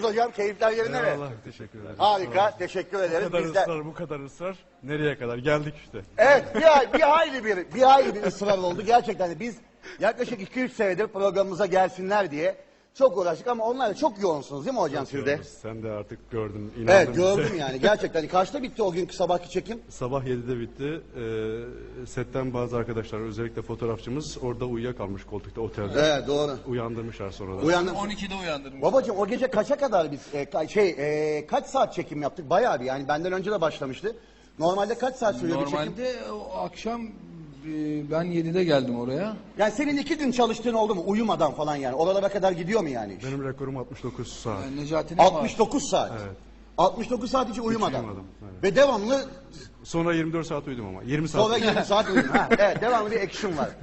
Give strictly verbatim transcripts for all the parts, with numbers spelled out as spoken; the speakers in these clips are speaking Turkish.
hocam? Keyifler yerinde mi? Allah teşekkür ederim. Harika, teşekkür Bu ederiz. kadar Biz de... ısrar, bu kadar ısrar. Nereye kadar? Geldik işte. Evet, bir, ay, bir hayli bir, bir hayli bir ısrar oldu. Gerçekten biz yaklaşık iki üç senedir programımıza gelsinler diye çok uğraştık ama onlar da çok yoğunsunuz değil mi hocam siz de? Sen de artık gördün, inandın Evet, bize. gördüm yani gerçekten. Kaçta bitti o günkü sabahki çekim? Sabah yedide bitti. Ee, setten bazı arkadaşlar, özellikle fotoğrafçımız orada uyuyakalmış koltukta otelde. Evet, doğru. Uyandırmışlar sonradan. Uyandım. on ikide uyandırmış. Babacığım o gece kaça kadar biz e, ka- şey e, kaç saat çekim yaptık? Bayağı bir yani benden önce de başlamıştı. Normalde kaç saat sürüyor bir çekim? Normalde o akşam e, ben yedide geldim oraya. Yani senin iki gün çalıştığın oldu mu uyumadan falan yani? Oralara kadar gidiyor mu yani? Benim rekorum altmış dokuz saat. Yani Necati'nin var. altmış dokuz saat. Evet. altmış dokuz saat hiç uyumadan. uyumadım, evet. Ve devamlı Sonra yirmi dört saat uyudum ama. yirmi saat. sonra yirmi saat uyudun. Ha, evet devamlı bir action var.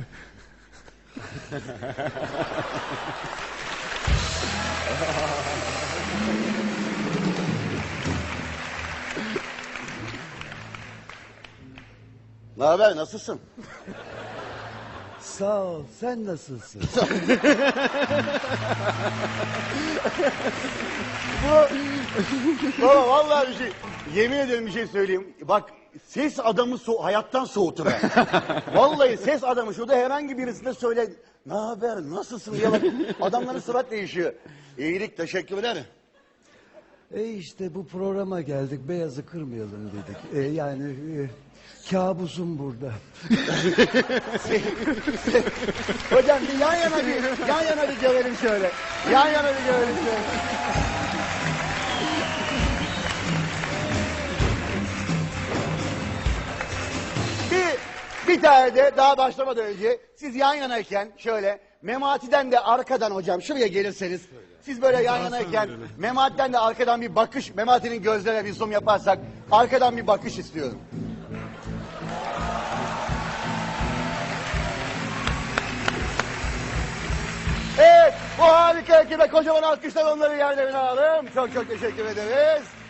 Ne haber, nasılsın? Sağ ol. Sen nasılsın? Baba vallahi bir şey, yemin ederim bir şey söyleyeyim. Bak ses adamı so hayattan soğutur. ha. Vallahi ses adamı şurada herhangi birisine söyle. Ne haber, nasılsın diye bak. Adamların surat değişiyor. İyilik, teşekkür ederim. E işte bu programa geldik. Beyazı kırmayalım dedik. E yani e, kabusum burada. Hocam bir yan yana bir, yan yana bir görelim şöyle. Yan yana bir görelim şöyle. Bir, bir tane de daha başlamadan önce siz yan yanayken şöyle Memati'den de arkadan hocam şuraya gelirseniz siz böyle yan yanayken Memati'den de arkadan bir bakış, Memati'nin gözlerine bir zoom yaparsak arkadan bir bakış istiyorum. Evet, bu harika ekibe kocaman alkışlar onları yerlerine alalım. Çok çok teşekkür ederiz.